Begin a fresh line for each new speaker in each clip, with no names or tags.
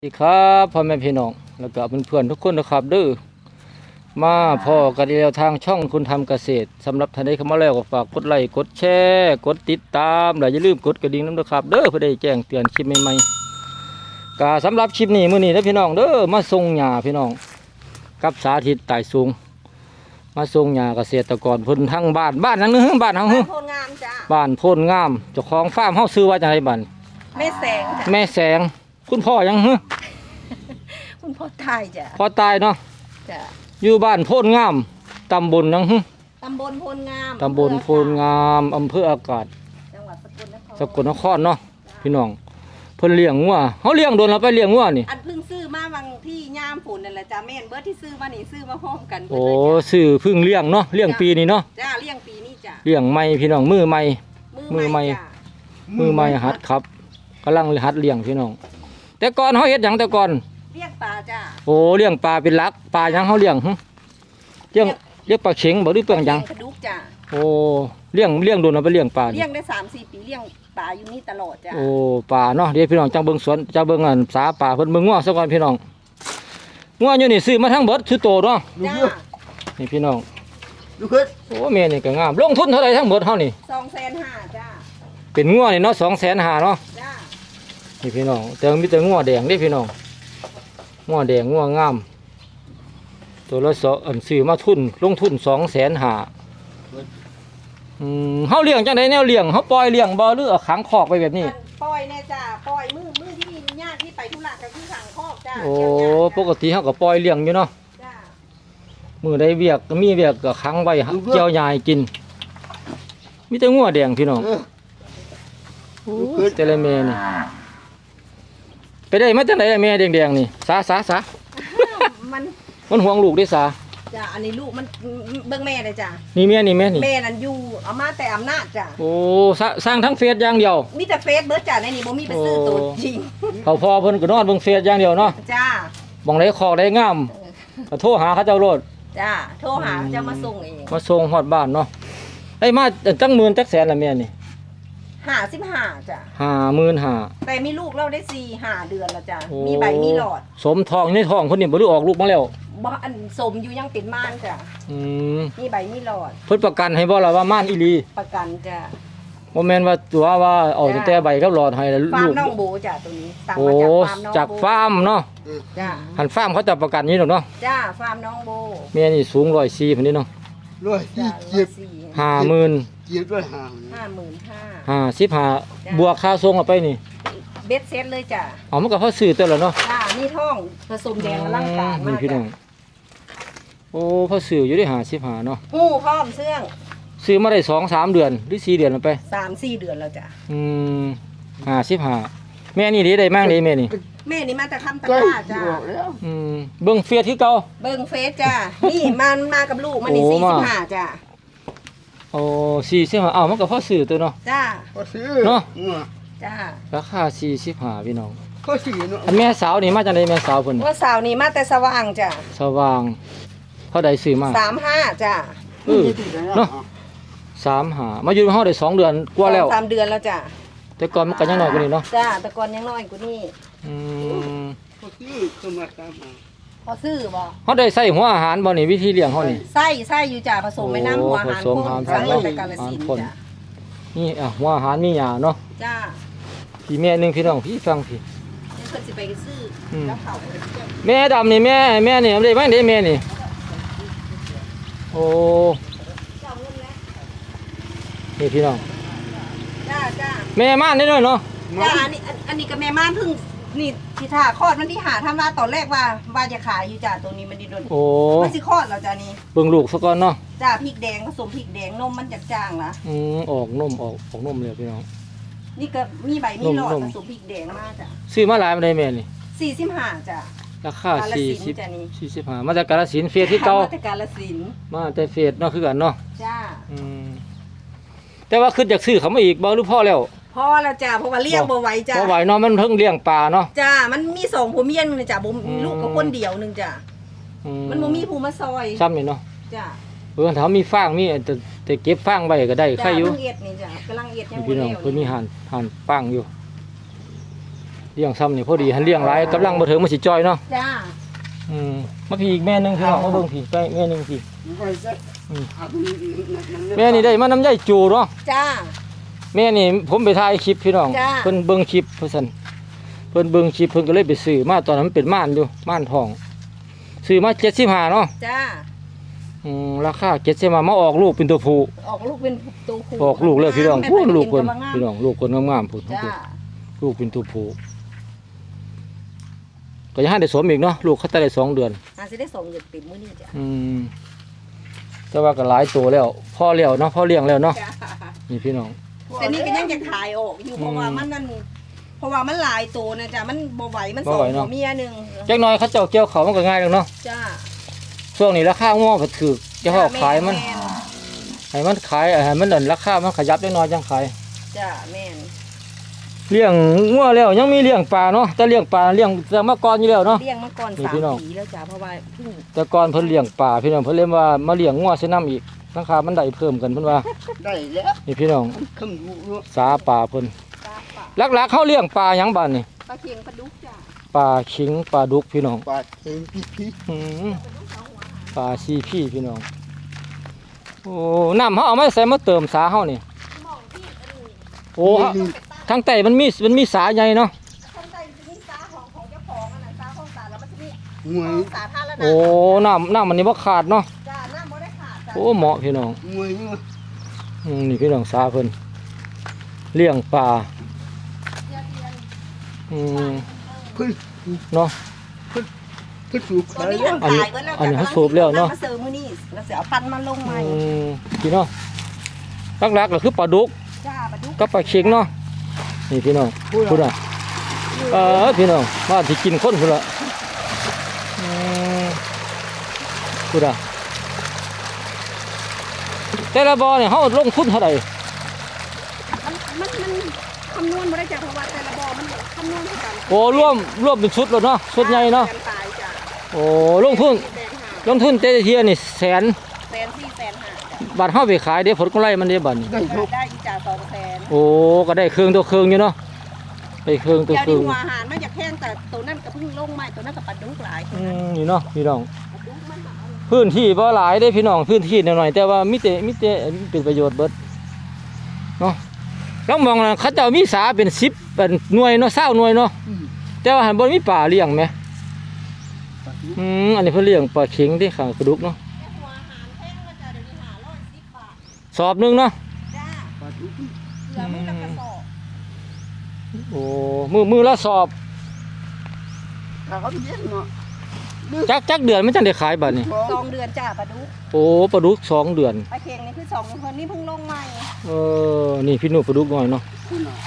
สวัสดีครับพ่อแม่พี่น้องแล้วก็เพื่อนๆทุกคนนะครับเด้อมาพ่อกันแล้วทางช่องคุณทำเกษตรสำหรับท่านใดเข้ามาแล้วก็ฝากกดไลค์กดแชร์กดติดตามและอย่าลืมกดกระดิ่งนะครับเด้อเพื่อได้แจ้งเตือนคลิปใหม่ๆก็สำหรับคลิปนี้มื้อนี้นะพี่น้องเด้อมาส่งหญ้าพี่น้องกับสาธิตไต่สูงมาส่งหญ้าเกษตรกรเพิ่นทั้งบ้านนั้นนึงบ้านเฮา
บ้านโพนงามจ้า
บ้านโพนงามเจ้าของฟาร์มเฮาซื้อว่าจังไดบัด
แม่แสงจ้ะ
แม่แสงคุณพ่อยังฮึ
คุณพ่อไทยจ้ะ
พ่อตายเนาะ
จ้ะ
อยู่บ้านโพนงามตำบลยังฮึ
ตำบลโพนงาม
ตำบลโพนงามอำเภออากาศ
จังหวัดสกลนคร
สกลนครเนาะพี่น้องเพิ่นเลี้ยงงัวเขาเลี้ยงโดนเราไปเลี้ยงงัวนี่
อันเพิ่งซื้อมาบางที่ย่ามฝนนั่นแหละจ้ะแม่นเบิร์ดที่ซื้อมานี่ซื้อมาพร้อมกันเบิ
โอ้
ดเลยจ้ะ
ซื้อเพึ่งเลี้ยงเนาะเลี้ยงปีนี้เนาะ
จ้าเลี้ยงปีนี้จ้ะ
เลี้ยงใหม่พี่น้องมือใหม่ มือใหม่
จ้ะ
มือใหม่หัดครับกำลังหัดเลี้ยงพี่น้องแต่ก่อนเขาเฮ็ดหยังแต่ก่อน
เลี้ยงปลาจ้ะ
โอ้เลี้ยงปลาเป็นหลักปลาหยังเขาเลี้ยงหึเลี้ยงปลาเข็งบ่หรือเปลืองหยัง
กระดูกจ้ะ
โอ้เลี้ยงโดนเราไปเลี้ยงปลานี่
เลี้ยงได้3-4 ปีเลี้ยงปลาอยู่นี่ตลอดจ้ะ
โอ้ป่าเนาะเดี๋ยวพี่น้องจังเบิ่งสวนจังเบิ่งอันสาป่าเพิ่นเบิ่งงัวซะก่อนพี่น้องงัวอยู่นี่ซื้อมาทั้งเบิดซื้อโตเนาะ
จ้า
นี่พี่น้อง
ดูขึ้น
โอ้แม่นี่ก็งามลงทุนเท่าไหร่ทั้งเบิดเฮานี่
250,000จ้า
เป็นงัวนี่เนาะ250,000เนาะ
จ้า
นี่พี่น้องแต่มีแต่งัวแดงเด้พี่น้องงัวแดงงัวงามตัวละอันซื้อมาทุนลงทุน250,000เฮาเลี้ยงจังได๋แนวเลี้ยงเฮาปล่อยเลี้ยงบ่หรือเอาขังคอกไปแบบนี้
อันปล่อยแน่จ้ะปล่อยมือที่ญาติที่ไปธุระก็คือสั่งคอกจ้า
โอ้
เลี้ยงยาก
ปกติเฮาก็ปล่อยเลี้ยงอยู่เนาะ
จ้า
มือได้เวียกก็มีเวียกก็ขังไว้เจียวยายกินมีแต่งัวแดงพี่น้องแต่ละแม่นี่ไปได้มาจากไหนแม่แดงๆนี่สา
มัน
มันห่วงลูกได้สา
จ้ะอันนี้ลูกมันเบิ่งแม่เลยจ้ะ
นี่แม่นี่
แม่นั่นอยู่เอามาแต่อำนาจจ้ะ
โอ้สร้างทั้งเฟซอย่างเดียว
มีแต่เฟซเบิร์ดจ้ะในนี้บ่มีไปซื้อตัวจริง
เขาพอเพิ่นก็นอนเบิ่งเฟซอย่างเดียวเนาะ
จ้า
บ่งได้คอกได้งามก็โทรหาเขาเจ้าโลด
จ้าโทรหาจะมาส่งเอง
มาส่งฮอดบ้านเนาะได้มาจังหมื่นจักแสนละแม่นี่
55จ้ะ
55,000
แต่มีลูกเราได้4-5 เดือนแล้วจ้ะมีใบมีหลอด
สมทองในท้องเพิ่นนี่บ่ได้ออกลูกมาแล้ว
บ่อันสมอยู่ยังเป็นม่านจ้ะ
อืม
มีใบมีหลอด
เพิ่นประกันให้บ่ล่ะว่าม่านอีหลี
ประกันจ้ะ
บ่แม่นว่าตัวว่าเอาตั้งแต่ใบกับหลอดให้แล้ว
ฟาร์ม
ลูก
น้องโบจ้ะตัวนี้สั่ง
โอ้
มาจากฟาร์มน้องโบ
จากฟาร์มเนาะ
จ้า
หันฟาร์มเขาจะประกันนี้ดอกเนาะ
จ้าฟาร์มน้องโบ
แม่นี่สูง104พุ่นนี่เนาะ
ร้อย
จ้า
เจ็บ
50,000
เจ็บด้วยห่าง
55,000
บวกค่าส่งเอาไปนี่
เบ็ดเซ็ตเลยจ้ะ
เอามันก็พอซื้อตัวแล้วเนาะ
จ้านี่ท่องผสมแดงอลังการ
นี่
มาก
พี่น้อ
จ้ะ
งโอ้พอซื้ออยู่ได้55เนาะ
หูพร้อมเสื่อง
ซื้อมาได้2-3 เดือนหรือ4 เดือนแล้วไป
3-4 เดือนแล้วจ้ะ
อืม55แม่นี่ได้มั่งได้แม่นี่
แม่นี่มาจากคำตะ
ใกล้
กร้า
จะ
จ้า
ออกแล้ว
เบิ่งเฟียที่เก่า
เบิ่งเฟซจ้านี่มากับลูกมันนี่
โอ้มา
45จ้า
โอ้45เอามันก็พอซื้อตัวเนาะ
จ้า
ก็ซื้อ
เนาะ
จ้า
ราคา45พี่น้อง
ก็ซื้อเนาะ
อันแม่สาวนี่มาจากไหนแม่สาวเพิ่น
ว่าสาวนี่มาแต่สว่างจ้า
สว่างเท่าใดซื้อมา
35จ้า
เออเนาะ35มาอยู่ในห้องได้2 เดือนกว่าแล้ว
3 เดือนแล้วจ้า
แต่ก่อนมันก็ยังน้อยกว่านี้เนาะ
จ้าแต่ก่อนยังน้อยกว่านี้
อืม
ก็ซื้อเข้ามาตามหา
พอซื้อบ่
เฮาได้ใส่หัวอาหารบ่นี่วิธีเลี้ยงเฮานี่
ไส้อยู่จ้าผสมไม่น้ำหัวอาหาร
ผสมอาหาร
สั่งมาจากกาฬสินธุ์
พ่น
จ้า
นี่หัวอาหารมีหญ้าเนาะ
จ้า
พี่แม่หนึงพี่น้องพี่ฟังพี่
เดี๋ยวเพิ่นสิไปซื้ออ
ม
แล้วเขา
แม่ดำนี่แม่นี่เอาได้บ้างได้แม่นี่โอ้
เจ้าเงินแล้ว
นี่พี่น้อง
จ้าจ้า
แม่ม่านได้ด้วยเนาะ
จ้าอันนี้กับแม่ม่านเพิ่งนี่ที่ท่าคลอดมันที่หาทำว่าตอนแรกว่าจะขายอยู่จ้าตัวนี้มันดีโดน
โอ้
มันสิคลอดแล้วจ้านี่
เบิ่งลูกซะก่อนเนาะ
จ้าพริกแดงผสมพริกแดงนมมันจากจางละ
ออกนมออกนมเลยพี่น้อง
นี่ก็มีใบมีหลอด
นม
ผสมพริกแดงมาจ้า
ซื้อมาหลายมาได้แม่นี่
45จ้า
ราคาก
าฬสินธุ์จ้ะนี่
45มาจากกาฬสินธุ์เฟียที่เก่า
มาจากกาฬสินธุ์
มาแต่เฟียเนาะคือกันเนาะ
จ้า
อืมแต่ว่าคืออยากซื้อเขามาอีกบ่หรือพ่อแล้ว
พอแล้วจ้าเพราะว่าเลี้ยงบ่ไหวจ้า
บ่ไหวเนาะมันเพิ่งเลี้ยงปลาเนาะ
จ้ามันมี2ผัวเมียนึงจ้าบ่
อืม
ลูกก็คนเดียวนึงจ้า
อื
มันบ่มีผู้มาซอย
ซ้ำนี่เนาะ
จ้า
ถ้ามีฟางมีแต่เก็บฟางไว้ก็ได้ใคร
จ้า
อยู่
เพิ่งเอ็ดนี่จ้ากำลังเอ็ดยังบ่
พี่น้อง
แล้ว
เพิ่นมีหันฟางอยู่เลี้ยงซ้ำนี่พอดีหันเลี้ยงหลายกำลังบ่ถึงมันสิจ้อยเนาะ
จ้า
มาพี่อีกแม่หนึงพี่น้องมาเบิ่งพี่ไปแม่หนึงพี่
ไว้ซะหาตรงนี้
แม่นี่ได้มาน้ำใยจูเนาะ
จ้า
แม่นี่ผมไปถ่ายคลิปพี่น้อง
จ้า
เพิ่นเบิ่งคลิปเพิ่นซั่นเพิ่นเบิ่งคลิปเพิ่นก็เลยไปซื้อมาตอนนั้นมันเป็นม่านอยู่ม่านทองซื้อมา75เนาะ
จ้า
ราคา75มาออกลูกเป็นตัวผู้
ออกลูกเป็นตัวผู้
ออกลูกเลยพี่น้อง
แม่
พูดลูก
เป็
เพิ่น
ตัวงาม
พี่น้องลูกเพิ่นงามๆพุ่น
จ้า
ลูกเป็นตัวผู้ก็ยังให้ได้สวมอีกเนาะลูกเขาจะได้2 เดือน
อาจจะได้ส่งเงินติดมื้อนี้จ้ะ
แต่ว่าก็หลายตัวแล้วพ่อเลี้ยวเนาะพ่อเลี้ยงแล้วเนาะ
จ้า
นี่พี่น้อง
แต่นี่ก็ยังจะขายออกอยู่เพราะว่ามันนั่นเพราะว่ามันหลายตัวนะจ้ะมันบ่ไหวมันสองหัวเมียหนึง
จักหน่อยเขาเจ้าเกี่ยวเขามันก็ง่ายแล้วเนาะ
จ้า
ช่วงนี้ราคาง้อก็ถูกจะเขาขายมัน
แม่น
ให้มันขายให้มันดันราคามันขยับจักหน่อยจังขาย
จ้าแม่น
เลี้ยงงัวแล้วยังมีเลี้ยงปลาเนาะแต่เลี้ยงปลาเลี้ยงแต่เมื่อก่อนอยู่แล้วเนาะ
เลี้ยงมาก่อน
นี่
3
พี่น้อง
ปีแล้วจ้ะเพราะว่าเพิ่ง
แต่ก่อนเพิ่นเลี้ยงปลาพี่น้องเพิ่นเรียกว่ามาเลี้ยงงัวใส่น้ำอีกราคามันได้เพิ่มกันเพิ่นว่า
ได้แล้ว
นี่พี่น้อง
คำรู้เนาะ
สาปลาเพิ่น
ตาปะ
หลักๆเขาเลี้ยงปลาหยังบ้านนี่
ปลาเคียงปลาดุกจ้ะ
ปลาขิงปลาดุกพี่น้อง
ปาดเองพี่
อืมปลาซีพี่พี่น้องโอ้น้ำเขาเอามาใส่มาเติมสาเขานี่โอ้ทางใต้มันมีสาใหญ่เนาะ
ข้างใต้จะมีสาของเจ้าของอันนั้นสาของสาแล้วมันจะมี
หวย
สาธารณะ
โอ้น้ำมันนี่บ่ขาดเนาะ
จ้าน้ำบ่ได้ขาดจ้ะ
โอ้เหมาะพี่น้อง
หวยเนาะ
นี่พี่น้องสาเพิ่นเลี้ยงปลา
เดี๋ยว
อืม
เพิ่น
เนาะ
เพิ่นสูบ
ตอ
ขาน ย
นี้
แล้ว
ยังขายไว้แล้ว
อันนี้เขาสูบแล้วเนาะ
มาเสริมมื้อนี้แล้วเสียเอาพันธุ์มาลงใหม่
พี่น้องหลักๆก็คือปลาดุก
จ้าปลาดุก
กับปลาเค็งเนาะนี่พี่น้องพูดอ่ะพี่น้องมาที่กินคนพุ่นละพูดอ่ะแต่ละบ่อเนี่ยเขาลงทุนเท่าไหร่
มันคำนวณบ่ได้จ้ะเพราะว่าแต่ละบ่อมันคำนวณคือกัน
โอ้ร่วมเป็นชุดเลยเนาะชุดใหญ่เนาะ
ตายจ้ะ
โอ้ลงทุน
แสนห้า
ลงทุนแต่ละเทียนี่100,000
แสนสี่แสนห้าจ้ะ
บาทเฮาไปขายเดี๋ยวผลกำไรมันได้บัดนี้
ได้ทุก
ได้อีกจ่า200,000
โอ้ก็ได้เครื่องตัวเครื่องอยู่เนาะได้เครื่องตัว
เดี๋ยว
เครื่
นี้
อง
หัวอาหารมันจะแพงแต่ตัวนั้นก็เพิ่งลงใหม่ตัวนั้นก็ปลาดุกหลายตัวนั้น
นี่เนาะพี่น้อง
ปลาดุกมันหลาย
พื้นที่บ่หลายได้พี่น้องพื้นที่หน่อยๆแต่ว่ามีแต่เป็นประโยชน์เบิดเนาะแล้วมองนะเขาเจ้ามีสาเป็น10เป็นหน่วยเนาะ20หน่วยเนาะแต่ว่าหันบ่มีป่าเลี้ยงแหมอันนี้เพิ่นเลี้ยงปลาเข็งที่ข้างกระดุกเนาะ
แต่หัวอาหารแพงก็จะเดี๋ยวนี้510 บาท
สอบหนึงเนาะ
จ้า
ปาดทุก
เหลือมื้อละกระสอบ
โอ้มือละสอบ
ถ้าเขาเลี้ยงเนาะ
จักเดือนมันจังได้ขายบัดนี้
2 เดือนจ้าปลาดุก
โอ้ปลาดุก2 เดือน
ปลาเค็งนี่คือ2คนนี่เพิ่งลงใหม่
นี่พี่หนูปลาดุกน้อยเนาะ
คุณน่ะ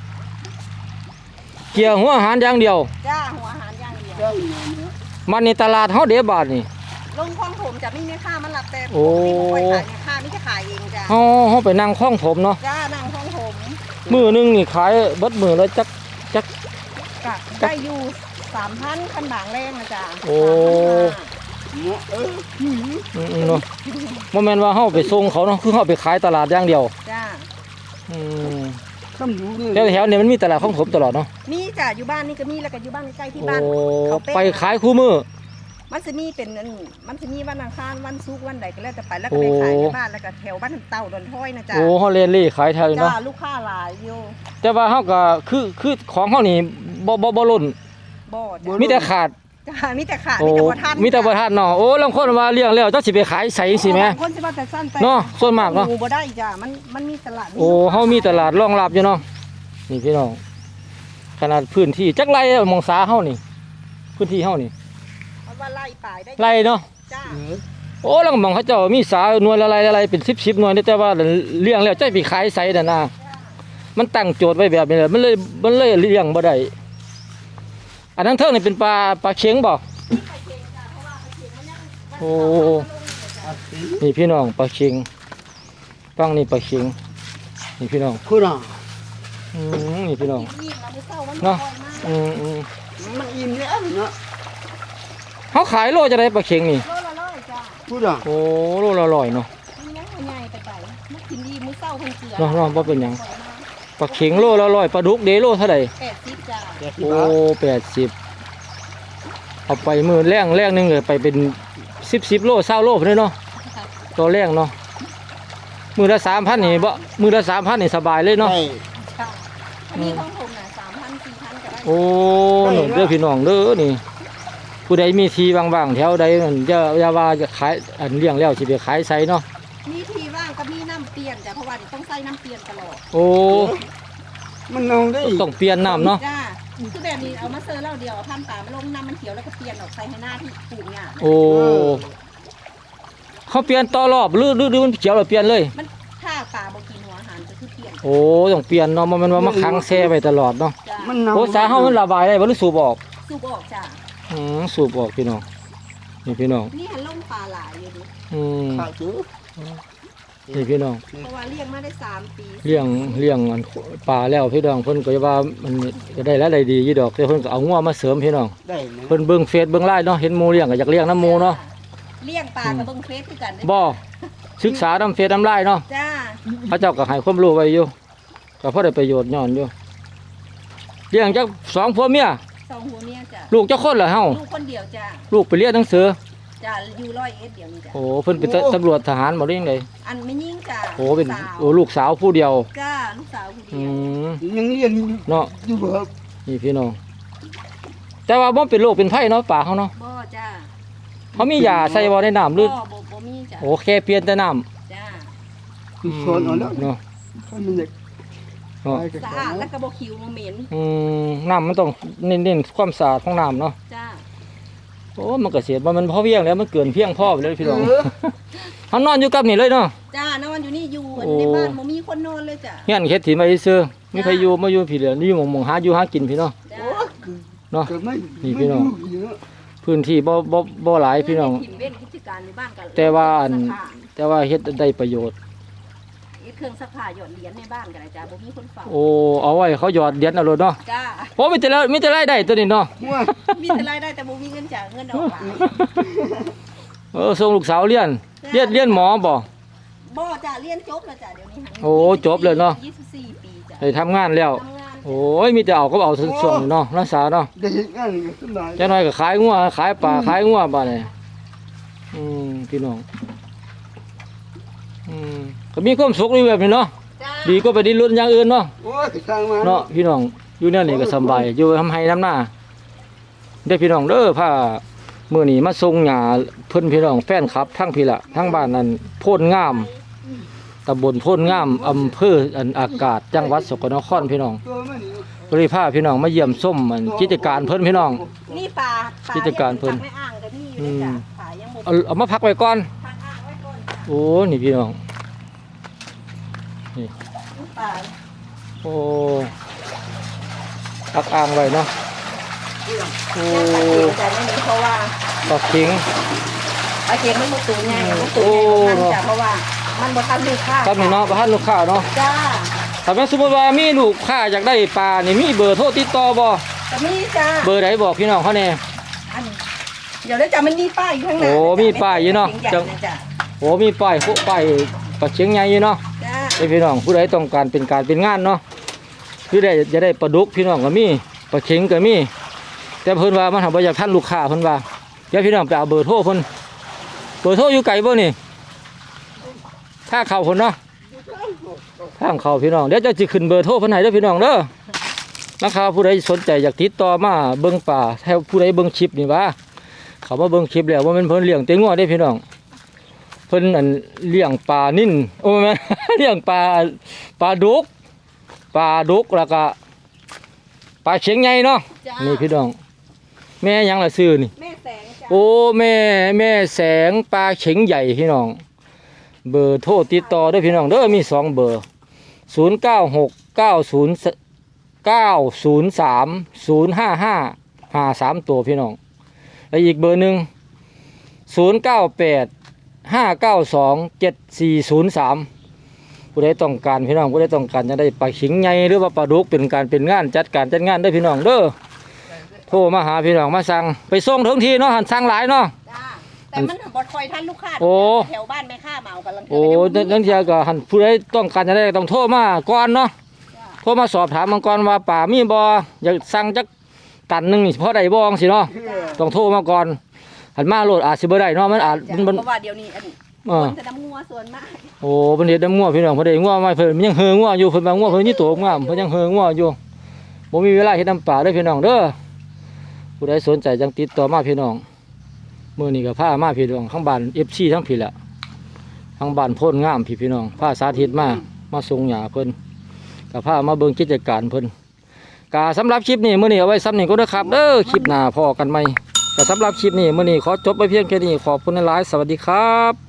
เกี่ยวหัวอาหารอย่างเดียว
จ้าหัวอาหารอย่างเดียว
เจ้าเนี่ยเนาะ
มันในตลาดเฮาเด้บาทนี่
ลงคลองผมจะไม่มีค่ามันหลับแต่
โอ้
ที่บ่ค่อยขายเนี่ยค่านี่จะขายเองจ้า
เฮาไปนั่งคล้องผมเนาะ
จ้านั่งคลองผม
มื้อหนึงนี่ขายเบิดมื้อละจัก
กะได้อยู่3,000คันบางแรงนะจ้า
โอ้
เนาะ
เนาะบ่แม่นว่าเฮาไปส่งเขาเนาะคือเฮาไปขายตลาดอย่างเดียว
จ้า
อืม
คำรู้เนี่ย
แถวๆนี้มันมีตลาดของผมตลอดเนาะ
มีจ้าอยู่บ้านนี่ก็มีแล้วก็อยู่บ้านใกล้ๆที่
โอ้
บ้านเขาเป๊ะ
ไปขายคู่มื้อ
มันจะมีเป็นอันมันจะมีวันอังคารวันศุกร์วันใดก็แล้วแต่ไปแล้วก็ไปขายในบ้านแล้วก็แถวบ้านเต่าดอนท้อยนะจ้า
โอ้เฮาเล่นเล่ขายแถวนี้
จ้า
เนาะ
ลูกค้าหลายอยู่
แต่ว่าเฮาก็คือของเฮานี่บ่ล้น
บ่จ้า
มีแต่ขาด
จ้ามีแต่ขาด
โอ้
มีแต่บ่ทัน
มีแต่บ่ทันเนาะโอ้ลางคนว่าเลี้ยงแล้วจักสิไปขายใส่จังซี่แหม
บางคนสิว่าแต่สั้นแต่
เนาะส่วนมากเนาะ
หบ่ได้จ้ามันมีตลาด
โอ้เฮามีตลาดรองรับอยู่เนาะนี่พี่น้องขนาดพื้นที่จักไรหมองสาเฮานี่พื้นที่เฮานี่
มันว่าไล่ป่ายได้
ไรเนาะ
จ้า
โอ้แล้วก็หมองเขาเจ้ามีสาหน่วยละไรเป็น10หน่วยนี่แต่ว่าเลี้ยงแล้วจะไปขายใส่นั่นน่ะมันตั้งโจทย์ไว้แบบนี้แหละมันเลยเลี้ยงบ่ได้อันนั้นเทิงนี่เป็นปลาเค็งบ่โอ้นี่พี่น้องปลาเค็งฟังนี่ปลาเค็งนี่พี่น้อง
คุณน่ะ
นี่พี่น้อง
อิ่มๆแล้วมื้อเช้ามัน
เนาะ
บ่อยมาก
มันอิ่มแล้วเนาะ
เขาขายโลจะได้ปลาเค็งนี่
โลละร้อยจ้า
คุณน่ะ
โอ้โลละ100เนาะ
มียังบ่ใหญ่ไปมันกินดีมื้อเช้าเพิ่นเกลือ
เนาะบ่เป็นหยังปลาเข็งโลละ100ปลาดุกเดโลเท่าไหร่
80จ้า
80
โอ้
บาท
80เอาไปมือแรงหนึงเลยไปเป็น10โล20โลพุ่นเนาะตัวแรงเนาะมือละ 3,000นี่บ่มือละ 3,000นี่สบายเลยเนาะ
ได้
ค่ะอันนี้ของผมน่ะ3,000 4,000ก็ได้
โอ้หนุ่มเด้อพี่น้องเด้อนี่ผู้ใดมีทีว่างๆแถวใดนั่นอย่าว่าจะขายอันเลี้ยงแล้วสิไปขายไสเนาะ
มีทีว่างก็มีน้ำเปลี่ยนจ้ะเพราะว่าต้องใส่น้ำเปลี่ยนตลอด
โอ้
มันนองได้
ต้องเปลี่ยนน้ำเนาะ
จ้าคือแบบนี้เอามาเซอร์เหล้าเดียวเอาพันป่ามาลงน้ำมันเขียวแล้วก็เปลี่ยนออกใส่ให้หน้าที่ปลูกเนี่ย
โอ้เขาเปลี่ยนต่อรอบหรือมันเขียวแล้วเปลี่ยนเลย
มันถ้าป่าบ่กินหัวอาหารก็คือเปลี่ยน
โอ้ต้องเปลี่ยนเนาะบ่แมันว่ามาขังแช่ไว้ตลอดเนาะ
จ้า
มันนอง
โอ้สาเฮามันระบายได้บ่หรือสูบออก
สูบออกจ้า
สูบออกพี่น้องนี่พี่น้อง
นี่หันลงปลาหลายอยู่ดิ
อืม
ขาดเยอะ
นี่พี่น้อง
เพราะว่าเลี้ยงมาได้3 ปี
เลี้ยงอันปลาแล้วพี่น้องเพิ่นก็ว่ามันก็ได้แล้วได้ดีอยู่ดอกแต่เพิ่นก็เอางัวมาเสริมพี่น้อง
ได้นะ
เพิ่นเบิ่งเฟซเบิ่งไลน์เนาะเห็นหมู่เลี้ยงก็อยากเลี้ยงน้ำหมู่เนาะ
เลี้ยงปลากับเบิ่งเฟซคือกันเด้
บ่ศึกษาน้ำเฟซน้ำไลน์เนาะ
จ้า
พระเจ้าก็ให้ความรู้ไว้อยู่ก็พอได้ประโยชน์ย้อนอยู่เลี้ยงจัก2ผัวเมีย
2 หัวเมียจ้า
ลูกจักคนเหรอเฮา
ลูกคนเดียวจ้า
ลูกไปเรียนหนังสือ
จ้าอยู่100 เดี๋ยวนี้จ้า
โอ้เพิ่นเป็นตำรวจทหารบ่ได้ยังได
อันไม่ยิ่งจ้า
โอ้เป็น
สาว
โอ้ลูกสาวผู้เดียว
จ้าลูกสาวผู้เดี
อื
ยว
ม
ยังเรียน
เนาะ
อยู่ครับ
นี่พี่น้องแต่ว่าบ่เป็นโรคเป็นไผเนาะป่าเขาเนาะ
บ่จ้า
เขามียาใส่บ่ในน้ำหรือ
บ่มีจ้า
โอ้แค่เปลี่ยนแต่น้ำ
จ้า
คือสอนเอาแล้ว
เนาะ
ให้มันเด็ก
เนาะ
สะอาดแล้วก็บ่คิวบ่เหม็น
น้ำมันต้องเน้นความสะอาดของน้ำเนาะ
จ้า
โอ้มันก็เสียมันพอเพียงแล้วมันเกินเพียงพอไปเลยพี่น้อง
เออ
เขานอนอยู่กับนี่เลยเนาะ
จ้านอนอยู่นี่อยู่
โอ้
ในบ้านบ่มีคนนอนเลยจ้า
เฮียนเฮ็ดถิ่นมาซื่อมีใครอยู่มาอยู่พี่เดียวนี่หมองหาอยู่หากินพี่เนาะ
จ้า
โอ้คือ
เนาะ
เกิดไม่
นี่พี่น้อง
ไม่ยู่เยอะ
พื้นที่บ่หลายพี่น้อง
ถิ่นเว้นกิจการในบ้านกัน
แต่ว่าอัน
ซักผ้า
แต่ว่าเฮ็ดได้ประโยชน์
เฮ็ดเครื่องซักผ้าหยอดเหรียญในบ้านกันเลยจ้าบ่มีคนเฝ้า
โอ้เอาไว้เขาหยอดเหรียญเอาโลดเนาะ
จ้า
โอ้มีแต่รายได้ตัวนี้เนาะ
หัว
มีแต่รายได้แต่บ่มีเงินจ่ายเงินออกหลาย
ส่งลูกสาวเรียนหมอบ่
บ่จ้าเรียนจบแล้วจ้าเดี๋ยวนี้
โอ้จบเลยเนาะ
24 ปีจ้า
ได้ทำงานแล้ว
ทำงาน
โอ้ยมีแต่เอาก็เอาส่วนๆเนาะรักษาเนาะ
ได้เห็นงานก็สบาย
จังหน่อยก็ขายงัวขายปลาขายงัวบ้านนี่พี่น้องก็มีความสุขอยู่แบบนี้เนาะ
จ้า
ดีก็ไปดิ้นรนอย่างอื่นเนาะ
โอ้ยสร้างมา
เนาะพี่น้องอยู่เนี่ยนี่ก็สำบายอยู่ทำให้น้ำหน้าได้อพี่น้องเด้อผ้ามื้อนี้มาส่งหญ้าเพิ่นพี่น้องแฟนคลับทั้งพี่ละทั้งบ้านนั้นโพนงามตำบลโพนงามอำเภออันอากาศจังหวัดสกลนครพี่น้อง
ตัวมันนี่
ก็เลยพาพี่น้องมาเยี่ยมส้มอันกิจการเพิ่นพี่น้อง
นี่ปลา
กิจการเพิ่น
ไม่อ่างกับนี่อยู่เลยจ้าปลายังบ่
เอามาพักไว้ก่อน
ทางอ่างไว้ก่อนจ้า
โอ้นี่พี่น้อง
ปลา
โอ้พักอ่างไว้เนาะโอ้
แต่ไม่มีเพราะว่า
ปลาเข็ง
ปลาเค็มมันบ่ตัวใหญ่มันตัวใหญ่มันจ้าเพราะว่ามันบ่ทันลูกค้า
ครับนี่เนาะประทานลูกค้าเนาะ
จ้า
ถ้าแม่นสมมุติว่ามีลูกค้าอยากได้ปลานี่มีเบอร์โทรติดต่อบ่
แต่มีจ้า
เบอร์ใดบอกพี่น้องเขาแน่
อันเดี๋ยวได้จ้ามันมีป้ายอยู่ข้างหน้า
โอ้มีป้ายอยู่เนาะ
จ้า
โอ้มีป้ายโคป้ายปลาเชียงใหญ่อยู่เนาะ
จ้า
ให้พี่น้องผู้ใดต้องการเป็นการเป็นงานเนาะคือได้จะได้ปลาดุกพี่น้องก็มีปลาเข็งก็มีแต่เพิ่นว่ามันทำบ่อยากท่านลูกค้าเพิ่นว่าเดี๋ยวพี่น้องไปเอาเบอร์โทรเพิ่นเบอร์โทรอยู่ไกลบ่นี่ถ้าเข้าเพิ่นเนาะทางเข้าพี่น้องเดี๋ยวจะสิขึ้นเบอร์โทรเพิ่นให้เด้อพี่น้องเด้อนะครับผู้ใดสนใจอยากติดต่อมาเบิ่งป่าถ้าผู้ใดเบิ่งคลิปนี่ว่าเขามาเบิ่งคลิปแล้วว่ามันเพิ่นเลี้ยงเต็งงัวได้พี่น้องเพิ่นอันเลี้ยงปลานิ่นโอ้แม่น เลี้ยงปลาดุกแล้วก็ปลาเชียงใหญ่เนาะ
จ้า
นี่พี่น้องแม่หยังล่ะซื้อนี่
แม่แสงจ้า
โอ้แม่แสงปลาเข็งใหญ่พี่น้องเบอร์โทรติดต่อด้วยพี่น้องเด้อมี2เบอร์0969030555ตัวพี่น้องและอีกเบอร์หนึ่ง0985927403ผู้ใดต้องการพี่น้องผู้ใดต้องการจะได้ปลาเข็งใหญ่หรือว่าปลาดุกเป็นการเป็นงานจัดงานได้อพี่น้องเด้อโทรมาหาพี่น้องมาสั่งไปส่งถึงที่เนาะหันสั่งหลายเนาะ
จ้าแต่มันบ่ค่อยทันลูกค้า
โอ้
แถวบ้านแม่ค้ามาเอากำลัง
โอ้นั่นเทียก็หันผู้ใดต้องการจะได้ต้องโทรมาก่อนเนาะโทรมาสอบถามมังกรว่าป่ามีบ่อยากสั่งจักตันหนึงนี่พอได้บ่จังซี่เนาะต้องโทรมาก่อนหันมาโลดอาจสิบ่ได้เนาะมันอาจ
จ้ะ
มัน
เพราะว่าเดี๋ยวนี้อัน
เอ
ค
อน
จะน้ำงัวส่วนมาก
โอ้เพิ่นเฮ็ดน้ำงัวพี่น้องเพิ่นได้งัวมาเพิ่นยังเฮองัวอยู่เพิ่นว่างัวเพิ่นนี่ตัวงามเพิ่นยังเฮองัวอยู่บ่มีเวลาเฮ็ดน้ำป่าเด้อพี่น้องเด้อผู้ใดสนใจจังติดต่อมาพี่น้องมื้อนี้ก็พามาพี่น้องข้างบ้าน FC ทั้งพี่แหละทางบ้านโพนงามพี่น้องพาสาธิตมาส่งหญ้าเพิ่นก็พามาเบิ่งกิจการเพิ่นก็สำหรับคลิปนี้มื้อนี้เอาไว้ซ้ำนี้ก็เด้อครับเด้อคลิปหน้าพอกันใหม่ก็สำหรับคลิปนี้มื้อนี้ขอจบไปเพียงแค่นี้ขอบคุณหลายๆสวัสดีครับ